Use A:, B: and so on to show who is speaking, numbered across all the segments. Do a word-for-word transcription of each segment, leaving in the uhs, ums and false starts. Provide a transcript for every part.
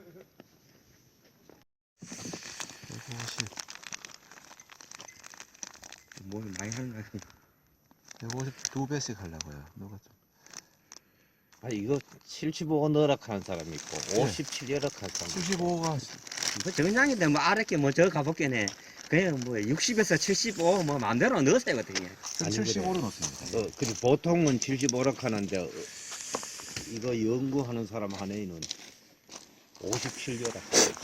A: 뭘 많이 하는 거야.
B: 백오십이 배씩 하려고요. 누가 좀.
C: 아 이거 칠십오 넣으라 하는 사람이 있고 오십칠 넣으라 하는 사람이 있고
B: 칠십오가
A: 뭐 정량인데 뭐 아랫게 뭐 저 가볼게네. 그냥 뭐 육십에서 칠십오 뭐 마음대로 넣으세요 거든요.
B: 칠십오로 넣습니다.
C: 어, 그리고 보통은 칠십오라 하는데 어, 이거 연구하는 사람 한해는 오십칠 넣으라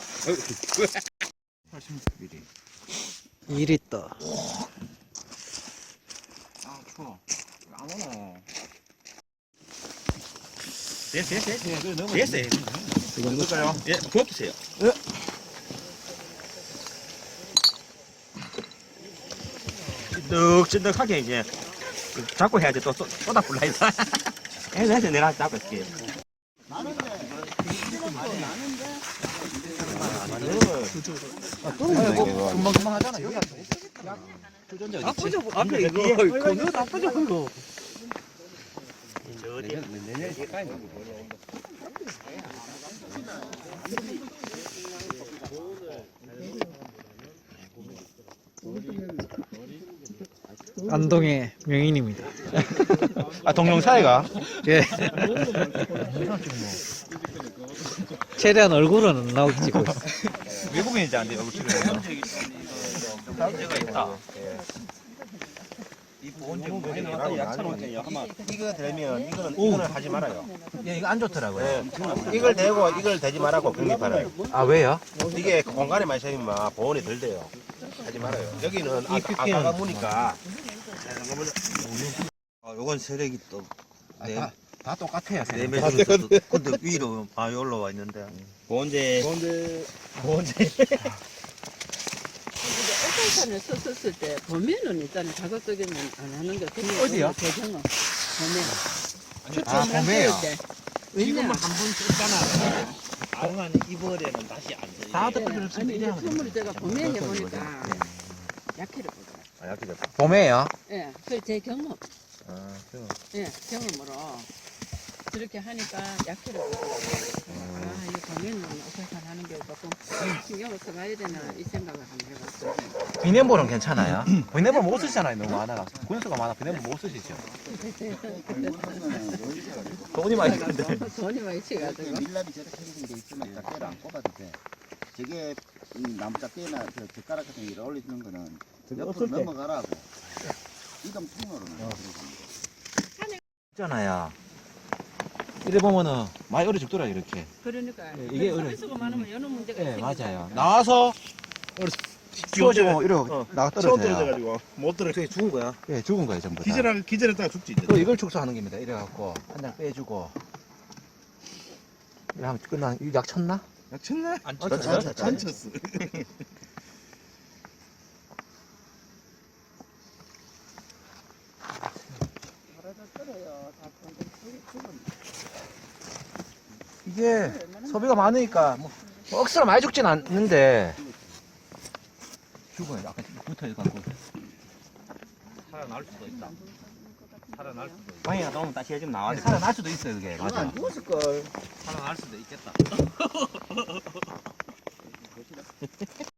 B: 팔십 밀리리터.
D: 일 리터.
B: 아 추워. 안 오노.
A: 됐어 됐어 됐어.
B: 예, 그래 넣으면
A: 됐어요.
B: 이거 넣을까요?
A: 예, 부어주세요.
B: 예.
A: 찐득찐득하게 이제 잡고 해야지 또 쏟- 쏟아 불라 해서. 해서 해서 내가 잡고 있을게.
B: 금방금방 하잖아. 여기
A: 아프죠? 앞에 이거 거기도 아프죠 이거.
D: 안동의 명인입니다.
B: 아 동영사이가?
D: 예. 최대한 얼굴은 안 나오게 찍고 있어.
B: 외국인이지 안 돼요? 지금.
A: 문제가 있다.
B: 이 보온제 이거 되면 이거는 이거는 하지 말아요. 예, 이거 안 좋더라고요. 이걸 대고 이걸 대지 말라고 그런 게 팔아요.
D: 아 왜요?
B: 이게 공간에 많이 생기면 보온이 덜 돼요. 하지 말아요. 여기는 아, 아까가 무니까.
E: 아, 요건 세력이 또
B: 네, 다, 다 똑같아요.
E: 네 매주 근데 위로 많이 올라와 있는데
A: 본제
B: 보온제.
F: 오팔판을 썼었을 때 보면은 일단 자극적이면 안 하는 게 그냥
B: 어디요?
F: 배경은 보면
B: 아, 봄에요.
F: 왜냐
C: 한번 썼잖아 동안 이번에는 다시 안 돼.
B: 다
F: 예,
B: 덮어줄 수
F: 아니 이제
B: 있게
F: 선물을 제가 보면 해보니까 약해를 보더라.
B: 아, 약해 됐다. 봄에요?
F: 예, 그 제 경험,
B: 아, 그
F: 예, 경험으로 저렇게 하니까 약해를 보더라고요. 아, 이거 보면은 오팔판 하는 게 조금 신경을 써가야 되나 이 생각을 한번 해봤어요.
B: 비냉볼은 괜찮아요? 비냉볼 못 쓰시잖아요. 너무 많아가. 군수가 많아. 비냉볼 못 쓰시죠? 돈이 많이 드는데.
F: 돈이 많이 치가지고.
G: 밀랍이 저렇게 생긴 게 있으면 짝대를 안 꼽아도 돼. 저게 이 나무 짝대나 저 젓가락 같은 거 올려주는 거는 옆으로 넘어가라고. 이동 통로로는
B: 있잖아요. 이래 보면은 많이 어려 죽더라 이렇게.
F: 그러니까
B: 예, 이게 어려-
F: 서비스가 많으면 여러 문제가
B: 예,
F: 생기잖아.
B: 맞아요. 나와서 추워지고 이러고
E: 어,
B: 나가
E: 처음
B: 떨어져요.
E: 떨어져가지고 못 떨어.
B: 저게 죽은 거야? 예, 죽은 거예요 전부 다.
E: 기절할 기절했다가 죽지 이제.
B: 또 이걸 축소하는 겁니다. 이래갖고 한 장 빼주고. 이래 하면 끝나. 이약 쳤나?
E: 약 쳤네?
A: 안
E: 안
A: 쳤어요?
E: 쳤어. 안 쳤어.
B: 이게 소비가 많으니까 뭐 억수로 많이 죽진 않는데 죽어요. 약간 붙어있갖고.
C: 살아날 수도 있다. 살아날 수도 있다.
A: 방이가 너무 다시 해주면 나와야
B: 살아날 수도 있어요, 그게. 맞아.
C: 살아날 수도 있겠다.